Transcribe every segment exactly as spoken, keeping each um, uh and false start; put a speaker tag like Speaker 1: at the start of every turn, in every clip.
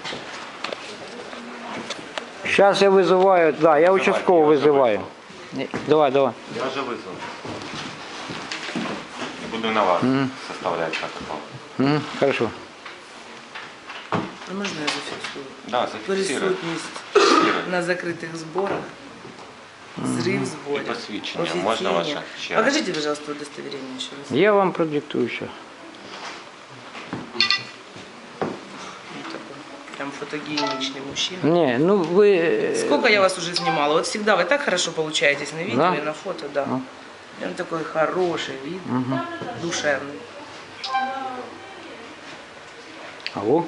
Speaker 1: Сейчас я вызываю, да, я участкового вызываю. Давай, давай.
Speaker 2: Я вже визвав. Буду на вас mm. составляти протокол.
Speaker 1: Mm, хорошо.
Speaker 3: А можна я зафіксую?
Speaker 2: Да, зафіксирую.
Speaker 3: Присутність на закритих зборах, зрив
Speaker 2: І
Speaker 3: зборів,
Speaker 2: посвідчення.
Speaker 3: офіційні.
Speaker 2: Можна ваше? Ще раз.
Speaker 3: Покажите, пожалуйста, удостоверение еще раз.
Speaker 1: Я вам продиктую сейчас.
Speaker 3: Прям фотогеничный мужчина.
Speaker 1: Не, ну вы...
Speaker 3: Сколько я вас уже снимала? Вот всегда вы так хорошо получаетесь на видео
Speaker 1: Да?
Speaker 3: и на фото, да.
Speaker 1: Ну.
Speaker 3: Прям такой хороший вид,
Speaker 1: Угу.
Speaker 3: душевный.
Speaker 1: Алло?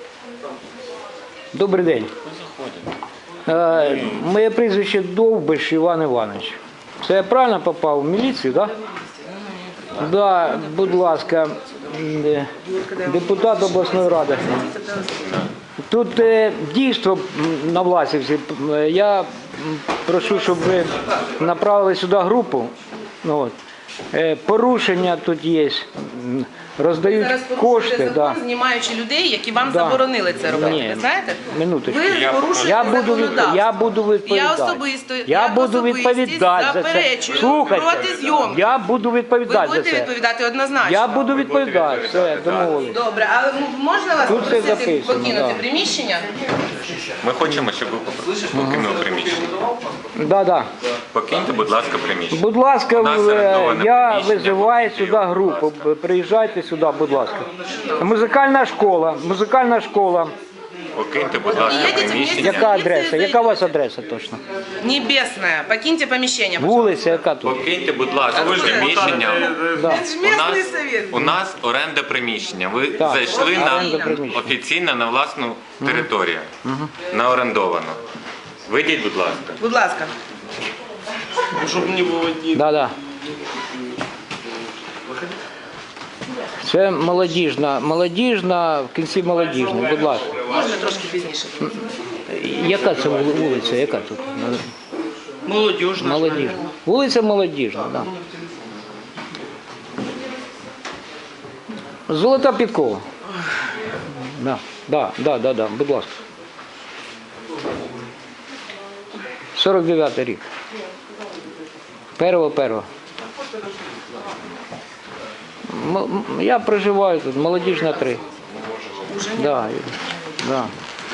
Speaker 1: Добрий день.
Speaker 2: Ви заходите.
Speaker 1: Е, моє прізвище Довбиш Іван Іванович. Це я правильно попав в міліцію, так? Да? Да, будь ласка, е, депутат обласної ради. Тут е, дійство на Власівці. Я м, прошу, щоб ви направили сюди групу. Ну, от. Е, порушення тут є. М, Роздають
Speaker 3: Зараз
Speaker 1: кошти.
Speaker 3: порушуєте закон,
Speaker 1: Да.
Speaker 3: знімаючи людей, які вам
Speaker 1: Да.
Speaker 3: заборонили це робити.
Speaker 1: Ні,
Speaker 3: Ви знаєте?
Speaker 1: минуточку.
Speaker 3: Ви
Speaker 2: Я-
Speaker 3: порушуєте
Speaker 1: Я буду, від...
Speaker 3: законодавство.
Speaker 1: я буду відповідати.
Speaker 3: Я особисто,
Speaker 1: я
Speaker 3: як
Speaker 1: буду
Speaker 3: особистість
Speaker 1: відповідати за це.
Speaker 3: заперечую
Speaker 1: Слухайте,
Speaker 3: проти зйомки.
Speaker 1: я буду
Speaker 3: Ви
Speaker 1: відповідати за
Speaker 3: будете
Speaker 1: це.
Speaker 3: відповідати однозначно.
Speaker 1: Я буду відповідати, все, домовились.
Speaker 3: Добре, а можна вас
Speaker 1: Тут все
Speaker 3: попросити
Speaker 1: записано,
Speaker 3: покинути
Speaker 1: да.
Speaker 3: приміщення?
Speaker 2: Ми хочемо, щоб ви покинули приміщення.
Speaker 1: Да, да.
Speaker 2: Покиньте, будь ласка, приміщення.
Speaker 1: Будь ласка,
Speaker 2: У нас
Speaker 1: в-
Speaker 2: орендоване
Speaker 1: я
Speaker 2: приміщення.
Speaker 1: визиваю сюди групу. Приїжджайте сюди, будь ласка. Музикальна школа, музикальна школа.
Speaker 2: Покиньте, будь ласка,
Speaker 3: Їдете
Speaker 2: приміщення.
Speaker 3: вместе.
Speaker 1: Яка адреса? Яка у вас адреса точно?
Speaker 3: Небесная. Покиньте помещение.
Speaker 1: Вулиця, яка тут?
Speaker 2: Покиньте, будь ласка, приміщення.
Speaker 1: Да.
Speaker 3: Это же
Speaker 2: У
Speaker 3: местный
Speaker 2: нас,
Speaker 3: совет.
Speaker 2: у нас оренда приміщення. Ви
Speaker 1: Так,
Speaker 2: зайшли
Speaker 1: оренда
Speaker 2: на
Speaker 1: приміщення.
Speaker 2: офіційно на власну територію, на орендовану. Вийдіть, будь ласка.
Speaker 3: Будь ласка.
Speaker 4: Чтобы не было ни...
Speaker 1: Да, да. Це молодіжна, молодіжна, в кінці молодіжна, будь ласка.
Speaker 3: Можна трошки пізніше?
Speaker 1: Яка це вули- вулиця, яка тут?
Speaker 4: Молодежь наша.
Speaker 1: Молодіжна. Вулиця Молодіжна, так. Да. Золота підкова. Да, да, да, да, да, будь ласка. сорок дев'ятий рік. Перво, перво. М- м- Я проживаю тут, Молодіжна три. Да, і- да.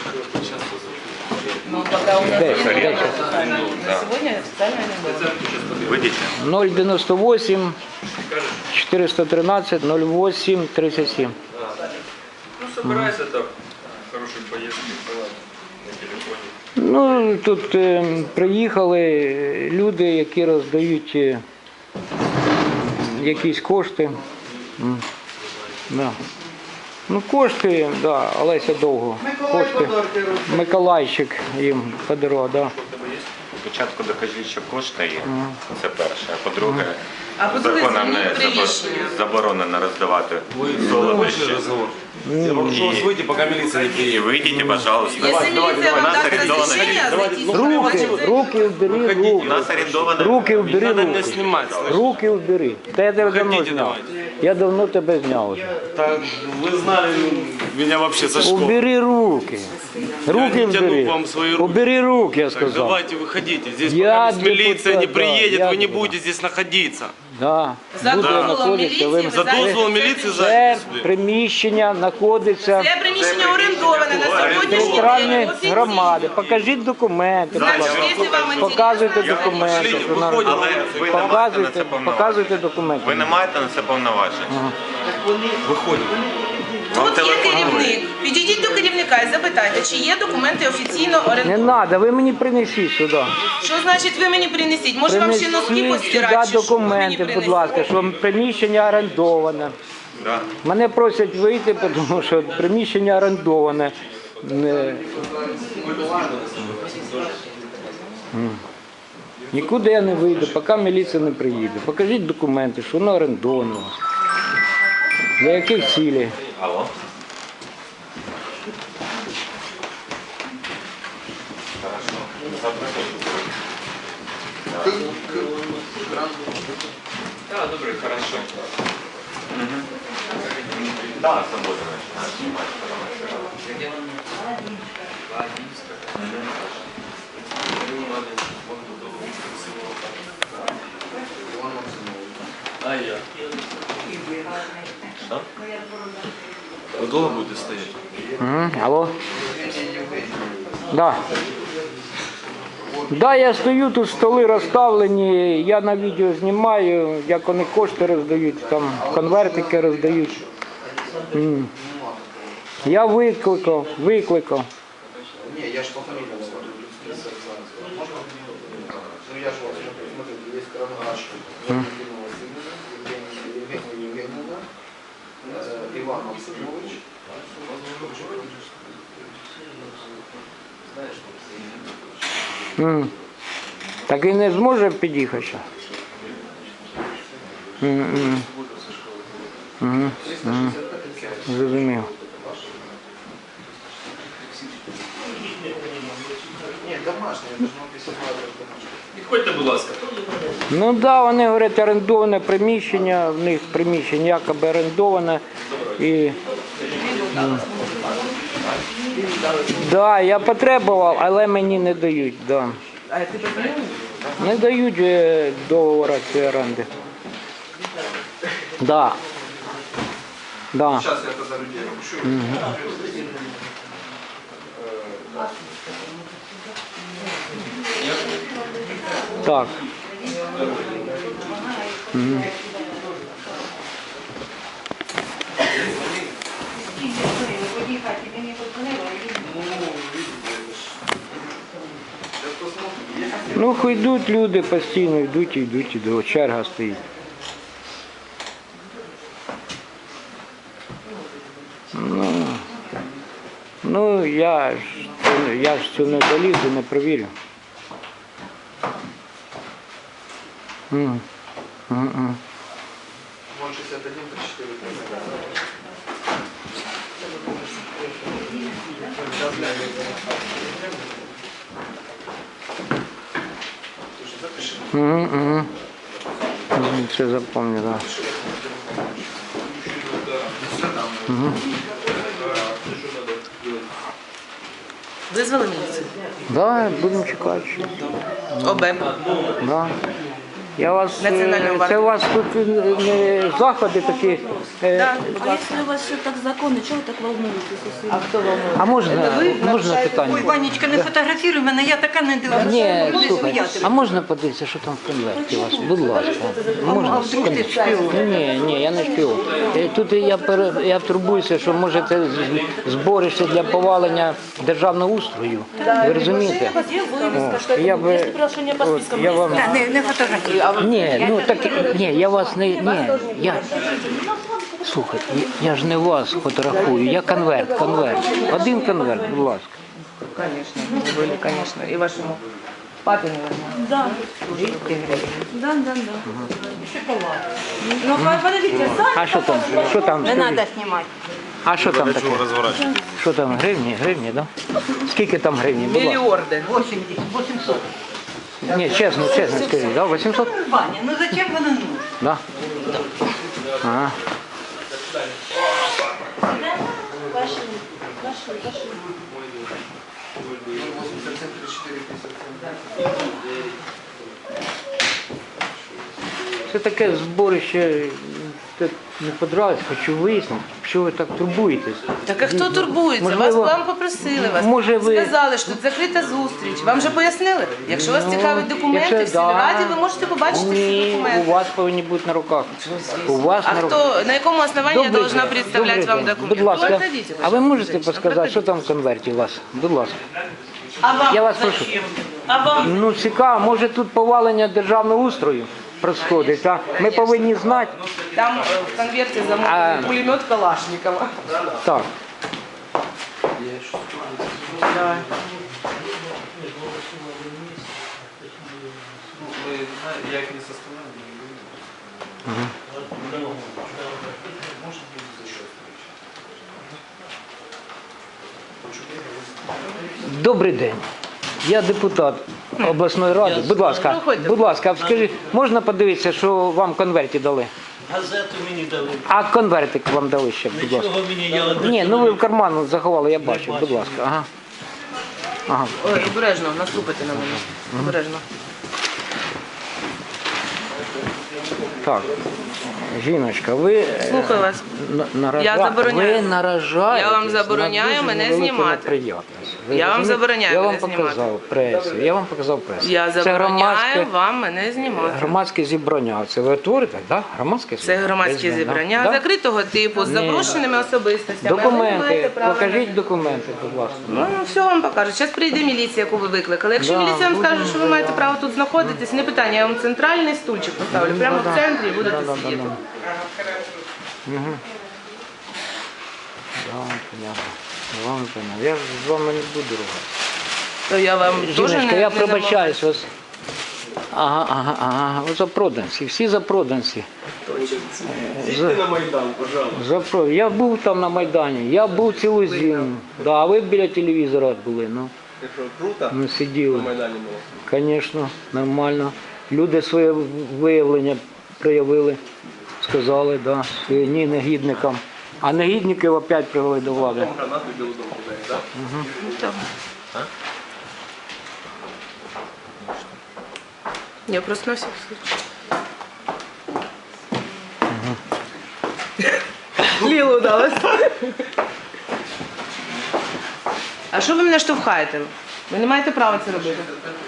Speaker 3: Ну, пока у нас
Speaker 1: Де?
Speaker 3: нет
Speaker 1: Де?
Speaker 3: на сегодня официально не было.
Speaker 2: Вийдіть.
Speaker 1: ноль дев'яносто вісім чотириста тринадцять ноль вісім тридцять сім.
Speaker 4: Ну, собирайся так. Хорошей поездки. На телефоне.
Speaker 1: Ну, тут е, приїхали люди, які роздають е, якісь кошти. М, Да. Ну, кошти, да, Олеся Довго. Кошти. Миколайчик їм подарував, да.
Speaker 2: Спочатку докажіть, що кошти є. Це перше. А по-друге,
Speaker 3: А по-друге,
Speaker 2: законом не
Speaker 3: змініть приміщення.
Speaker 2: забо- заборонено роздавати солодощі.
Speaker 4: Я прошу вас выйти, пока милиция не
Speaker 2: І
Speaker 4: приедет.
Speaker 2: вийдіть, пожалуйста.
Speaker 3: Если милиция вам
Speaker 2: У нас
Speaker 3: даст
Speaker 2: орендоване
Speaker 3: разрешение зайти сюда,
Speaker 1: Руки,
Speaker 3: зайдите.
Speaker 1: руки вбери,
Speaker 2: У
Speaker 1: руки.
Speaker 2: нас орендоване.
Speaker 1: Руки вбери,
Speaker 4: Надо меня
Speaker 1: руки.
Speaker 4: снимать, слышишь?
Speaker 1: Руки вбери. Та я тебе давно
Speaker 4: Уходите
Speaker 1: зняв.
Speaker 4: давайте.
Speaker 1: Я давно тебе зняв уже.
Speaker 4: Так, вы знали меня вообще со школы.
Speaker 1: Убери руки. Руки
Speaker 4: не тяну
Speaker 1: убери.
Speaker 4: вам свої руки.
Speaker 1: Убери руки, я
Speaker 4: Так,
Speaker 1: сказал.
Speaker 4: давайте выходите. Здесь
Speaker 1: Я
Speaker 4: пока милиция
Speaker 1: депутат,
Speaker 4: не
Speaker 1: да,
Speaker 4: приедет,
Speaker 1: я
Speaker 4: вы не
Speaker 1: депутат.
Speaker 4: будете здесь находиться.
Speaker 1: Да.
Speaker 3: За
Speaker 1: Буду
Speaker 3: дозволом
Speaker 1: знаходитися, ви-
Speaker 3: міліції ви
Speaker 4: За
Speaker 3: зайдете.
Speaker 4: дозвол милиции
Speaker 1: Це
Speaker 4: зайдете сюда.
Speaker 1: приміщення знаходиться
Speaker 3: Це приміщення орендоване на сьогоднішній
Speaker 1: територіальної
Speaker 3: день офіційно.
Speaker 1: громади. Покажіть документи, будь
Speaker 3: Значить,
Speaker 1: ласка.
Speaker 3: якщо вам інтересно,
Speaker 1: Показуйте документи.
Speaker 4: Пошліть,
Speaker 1: що на-
Speaker 4: виходимо.
Speaker 2: Але ви не маєте на
Speaker 1: Показуйте,
Speaker 2: це повноважень.
Speaker 1: показуйте документи.
Speaker 2: Ви не маєте на це повноважень.
Speaker 4: Выходим.
Speaker 2: Вам
Speaker 3: Тут є
Speaker 2: телефонують.
Speaker 3: керівник. Підійдіть до керівника і запитайте, чи є документи офіційно
Speaker 1: Не
Speaker 3: орендовані.
Speaker 1: треба, ви мені принесіть сюди.
Speaker 3: Що значить ви мені принесіть? Може вам ще носки
Speaker 1: Принесіть
Speaker 3: постирати?
Speaker 1: сюди
Speaker 3: чи що? Ви мені
Speaker 1: документи, будь
Speaker 3: принесіть.
Speaker 1: ласка, що приміщення орендоване.
Speaker 2: Да.
Speaker 1: Мене просять вийти, тому що приміщення орендоване. Не- М. Нікуди я не вийду, поки міліція не приїде. Покажіть документи, що воно орендовано. Для яких цілей?
Speaker 2: Алло. Да, добре, хорошо. Угу. Да, свободно начинаешь снимать.
Speaker 4: А я. Что? Вы долго будете стоять?
Speaker 1: М, Алло? Да. Да, я стою, тут столи розставлені, я на відео знімаю, як вони кошти роздають, там конвертики роздають. М. Я викликав, викликав.
Speaker 5: Не, я ж по фамилиям смотрю. Можно? Ну я же вот смотрю, есть Каранаш, Евгения Евгеньевна, э, Иван Максимович.
Speaker 1: М. Так він не зможе під'їхати ще? М, м. Мгм, мгм. Зрозумів.
Speaker 5: Нет, домашний, я должен написать домашний.
Speaker 4: Підходьте, будь ласка.
Speaker 1: Ну так, да, вони говорять, орендоване приміщення, в них приміщення якоби орендоване. І... Да, я потребував, але мені не дають. Да.
Speaker 3: А ти позвонив?
Speaker 1: Не дають е, договору цієї оренди. Да. Да.
Speaker 5: Сейчас я это за людей напишу.
Speaker 1: Так. Мгм. Ну, хай йдуть люди постійно, йдуть і йдуть, і до черга стоїть. Ну, ну я ж, я ж цю не залізу, не провірю. М. М-м.
Speaker 5: ноль шестьдесят один тридцать четыре. Сейчас запиши.
Speaker 1: Угу, угу. Це запомню, так. Да. Угу.
Speaker 3: Визвали міліцію?
Speaker 1: Да, будемо чекати. ще.
Speaker 3: ОБЕП.
Speaker 1: Да. Я вас, е,
Speaker 3: Національного
Speaker 1: це у вас тут е, не заходи такі. е,
Speaker 3: Да.
Speaker 6: А если у вас все так законно, чего вы так волнуетесь?
Speaker 3: А хто волнує?
Speaker 1: А можна, можна питання?
Speaker 7: Ой, Ванечка, не фотографіруй мене, я така не дивлюся.
Speaker 1: Ні,
Speaker 7: Будеш
Speaker 1: слухай,
Speaker 7: сміяти.
Speaker 1: а можна подивитися, що там в конверті у вас? Будь ласка. Можна?
Speaker 7: А вдруг ти шпіон?
Speaker 1: Ні, ні, я не шпіон. Е, Тут я, пере- я турбуюся, що може це з- зборище для повалення державного устрою. Ви розумієте?
Speaker 6: Где вывеска,
Speaker 1: О,
Speaker 6: что это
Speaker 1: я би-
Speaker 6: есть приглашение по
Speaker 1: от,
Speaker 6: спискам?
Speaker 1: я
Speaker 6: Есть?
Speaker 1: вам-
Speaker 7: Та, Не, не фотографіруй.
Speaker 1: Ні, ну так, ні, я вас не, ні, я, слухай, я, я ж не вас фотографую, я конверт, конверт. Один конверт, будь ласка.
Speaker 3: Конечно, вы были, конечно. И вашему папе, наверное.
Speaker 6: Да,
Speaker 3: двести гривен.
Speaker 6: да, да, да. Ну, подождите, сами
Speaker 1: А що там, що там,
Speaker 7: Не
Speaker 1: скажіть?
Speaker 7: треба знімати.
Speaker 1: А що там таке?
Speaker 4: Розворачуйте.
Speaker 1: Що там, гривні, гривні, да? Скільки там гривні, будь ласка?
Speaker 3: Миллиарды.
Speaker 7: вісімдесят, вісімсот.
Speaker 1: Ні, чесно, чесно скажіть, да, вісімсот?
Speaker 7: Ваня, ну зачем вона нужна?
Speaker 1: Да. Ага.
Speaker 6: Ваши, ваши, ваши.
Speaker 1: Це таке зборище, це не подобається, хочу вияснити, що ви так турбуєтесь.
Speaker 3: Так а хто турбується?
Speaker 1: Можливо,
Speaker 3: Вас вам попросили вас.
Speaker 1: може, ви-
Speaker 3: Сказали, що тут закрита зустріч. Вам вже пояснили? Якщо вас цікавить документи,
Speaker 1: якщо
Speaker 3: в сільраді
Speaker 1: да.
Speaker 3: ви можете побачити всі
Speaker 1: Ні, у
Speaker 3: документи.
Speaker 1: вас повинні бути на руках. У вас
Speaker 3: А
Speaker 1: на руках.
Speaker 3: хто, на якому основании я
Speaker 1: Добрий
Speaker 3: должна
Speaker 1: день,
Speaker 3: представлять
Speaker 1: добрий
Speaker 3: вам
Speaker 1: день.
Speaker 3: документы?
Speaker 1: Будь ласка,
Speaker 3: Проходите,
Speaker 1: а ви можете
Speaker 3: женщина,
Speaker 1: підказати, що там в конверті у вас? Будь ласка.
Speaker 7: А вам
Speaker 1: Я вас прошу.
Speaker 7: А вам?
Speaker 1: Ну цікаво, може тут повалення державного устрою происходить, а ми повинні знати.
Speaker 3: Там э, в конверте
Speaker 1: А.
Speaker 3: замовлений пулемет Калашникова.
Speaker 1: Так.
Speaker 3: Давай.
Speaker 5: Я их не составляю.
Speaker 1: Добрий день. Я депутат обласної ради. Будь ласка,
Speaker 3: Проходьте.
Speaker 1: будь ласка, скажіть, можна подивитися, що вам в конверті дали?
Speaker 8: Газету мені дали.
Speaker 1: А конвертик вам дали ще, будь ласка.
Speaker 8: Нічого мені я до
Speaker 1: Ні, ну ви в карман заховали, я бачу, будь ласка. Ага. Ага.
Speaker 3: Ой, обережно, наступите на мене. Обережно.
Speaker 1: Так, жіночка, ви е,
Speaker 3: Слухаю вас.
Speaker 1: на- наража-
Speaker 3: Я забороняю.
Speaker 1: ви наражаєтесь
Speaker 3: Я вам забороняю
Speaker 1: на дуже
Speaker 3: мене
Speaker 1: невелику
Speaker 3: знімати.
Speaker 1: неприємність. Ви
Speaker 3: Я вам
Speaker 1: розумієте?
Speaker 3: забороняю
Speaker 1: Я
Speaker 3: мене
Speaker 1: вам
Speaker 3: знімати.
Speaker 1: показав пресу, я вам показав пресу.
Speaker 3: Я
Speaker 1: Це
Speaker 3: забороняю
Speaker 1: громадське,
Speaker 3: вам мене знімати.
Speaker 1: громадське зібрання. Це ви творите, так? Да? Громадське
Speaker 3: Це
Speaker 1: зібрання?
Speaker 3: громадські
Speaker 1: Десь,
Speaker 3: зібрання
Speaker 1: да?
Speaker 3: закритого типу з
Speaker 1: Ні.
Speaker 3: запрошеними особистостями. Ви не маєте
Speaker 1: Документи,
Speaker 3: права
Speaker 1: покажіть
Speaker 3: на-
Speaker 1: документи, будь ласка.
Speaker 3: Ну, все вам покажу. Зараз прийде міліція, яку ви викликали. Якщо
Speaker 1: Да,
Speaker 3: міліція вам
Speaker 1: будемо
Speaker 3: скаже, що ви маєте право тут знаходитись, не питання, я вам центральний стульчик поставлю. Прямо в центрі і будете
Speaker 1: Да, да, да,
Speaker 3: сидіти.
Speaker 1: да. Угу. Да, понятно. Вам понятно. Я ж з вами не буду ругатися.
Speaker 3: То я вам теж
Speaker 1: Жіночка,
Speaker 3: не
Speaker 1: я
Speaker 3: не
Speaker 1: пробачаюсь вас. Ага, ага, ага. Ви запроданці, всі запроданці.
Speaker 4: Їдьте на Майдан, пожалуйста.
Speaker 1: Запро... Я був там на Майдані, я був цілу зиму. Да, а ви біля телевізора були, ну,
Speaker 4: Якщо круто,
Speaker 1: ми
Speaker 4: на
Speaker 1: сиділи.
Speaker 4: Майдані було.
Speaker 1: Звісно, нормально. Люди своє виявлення проявили, сказали, да, що ні негідникам. А негідників опять привели до влади.
Speaker 4: Гранату в Білу дому кидають, так?
Speaker 3: можу. Я просто на всякий случай. Лілу удалось. А що ви мене штовхаєте? Ви не маєте права це робити.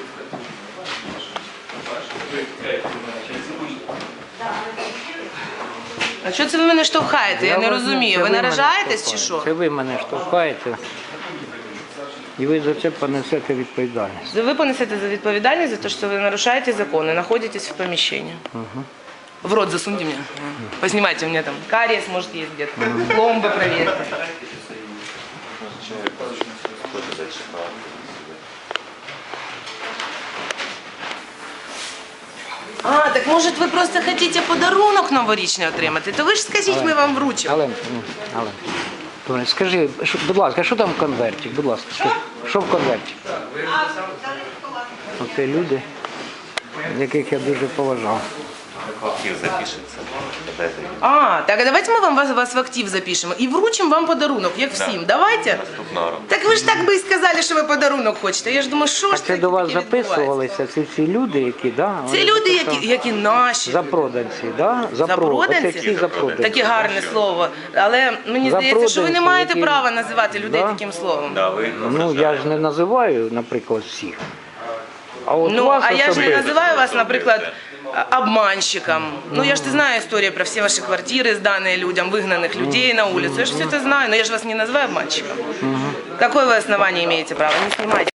Speaker 3: А що це ви мене штовхаєте? Я не
Speaker 1: вас
Speaker 3: розумію.
Speaker 1: це
Speaker 3: Ви
Speaker 1: мене
Speaker 3: наражаєтесь чи
Speaker 1: штовхаєте.
Speaker 3: що?
Speaker 1: Це ви мене штовхаєте. І ви за це понесете відповідальність.
Speaker 3: Ви понесете за відповідальність за те, що ви нарушаете законы, находитесь в помещении. В рот засуньте мне. Поснимайте мне там. Кариес, может, есть где-то. Пломбы проверьте. А, так может ви просто хотите подарунок новорічний отримати? То ви ж скажіть, ми вам вручимо.
Speaker 1: Але, але, добре, скажи, що- будь ласка, що там в конверті? Будь ласка, скажи, що в конверті? Оце люди, яких я дуже поважав.
Speaker 2: Актив запишеться.
Speaker 3: А, так а давайте ми вам вас, вас в актив запишемо і вручимо вам подарунок, як всім. Давайте.
Speaker 2: Наступного року.
Speaker 3: Так ви ж так би і сказали, що ви подарунок хочете. Я ж думаю, що
Speaker 1: А
Speaker 3: ж
Speaker 1: це
Speaker 3: таке
Speaker 1: до вас
Speaker 3: таке відбувається?
Speaker 1: записувалися ці всі люди, які, да?
Speaker 3: Це
Speaker 1: вони
Speaker 3: люди,
Speaker 1: записали.
Speaker 3: які, які наші.
Speaker 1: Запроданці, да? Запро-
Speaker 3: Запроданці?
Speaker 1: Оце всі запроданці.
Speaker 3: Таке гарне слово. Але мені здається, що ви не
Speaker 1: Запроданці,
Speaker 3: маєте
Speaker 1: які-
Speaker 3: права називати людей
Speaker 1: Да?
Speaker 3: таким словом.
Speaker 2: Да, ви
Speaker 1: Ну, я ж не називаю, наприклад, всіх. А от
Speaker 3: Ну,
Speaker 1: вас
Speaker 3: а я ж не
Speaker 1: особисто.
Speaker 3: називаю вас, наприклад, обманщиком. Ну, я ж знаю историю про все ваши квартиры, сданные людям, выгнанных людей на улицу. Я же все это знаю, но я же вас не называю обманщиком. Какое вы основание имеете право? Не снимайте.